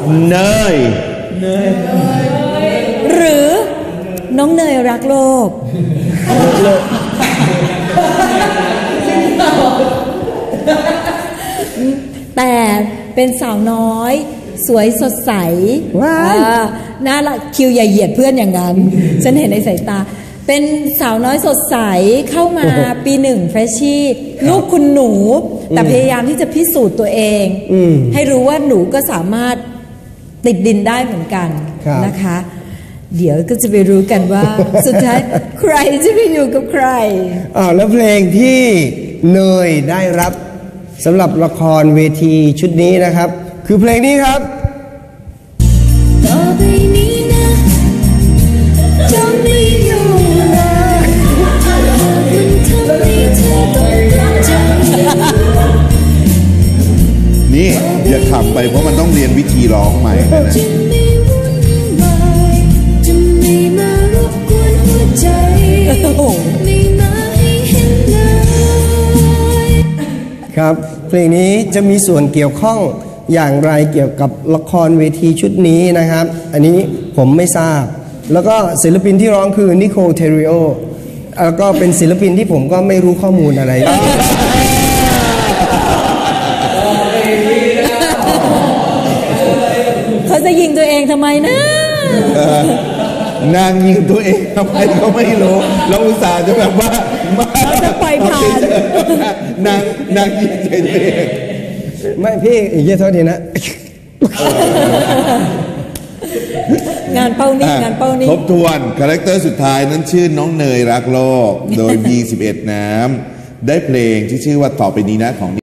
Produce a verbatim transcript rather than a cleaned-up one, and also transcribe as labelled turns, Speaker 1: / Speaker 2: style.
Speaker 1: เนย
Speaker 2: หรือน้องเนยรักโลกแต่เป็นสาวน้อยสวยสดใสน่ารักคิวอย่าเหยียดเพื่อนอย่างนั้น ฉันเห็นในสายตาเป็นสาวน้อยสดใสเข้ามาปีหนึ่งเฟรชชี่ลูกคุณหนูแต่พยายามที่จะพิสูจน์ตัวเองให้รู้ว่าหนูก็สามารถติดดินได้เหมือนกันนะคะเดี๋ยวก็จะไปรู้กันว่าสุดท้ายใครจะไปอยู่กับใคร
Speaker 3: อ่าแล้วเพลงที่เนยได้รับสำหรับละครเวทีชุดนี้นะครับคือเพลงนี้ครับต่อไปนี้นะจงไม่อยู่เลยมันทำให้เธอต้องรักใจ
Speaker 1: นี่อย่าขำไปเพราะมันต้องเรียนวิธีร้องใหม่นะ
Speaker 3: ครับเพลงนี้จะมีส่วนเกี่ยวข้องอย่างไรเกี่ยวกับละครเวทีชุดนี้นะครับอันนี้ผมไม่ทราบแล้วก็ศิลปินที่ร้องคือนิโคลเทริโอแล้วก็เป็นศิลปินที่ผมก็ไม่รู้ข้อมูลอะไร
Speaker 2: เขาจะยิงตัวเองทำไมนะ
Speaker 1: นางยิงตัวเองทำไมก็ไม่รู้เราอุตส่าห์จะแบบว่า
Speaker 2: เราจะปล่อยผ่าน
Speaker 1: นางนางยิงตัวเอง
Speaker 3: ไม่พี่อีกเยอะเท่านี้นะ
Speaker 2: งานเป้านี่งานเป้านี่
Speaker 1: ทบทวนคาแรคเตอร์สุดท้ายนั้นชื่อน้องเนยรักโลกโดย บี สิบเอ็ด น้ำได้เพลงที่ชื่อว่าต่อไปนี้นะของ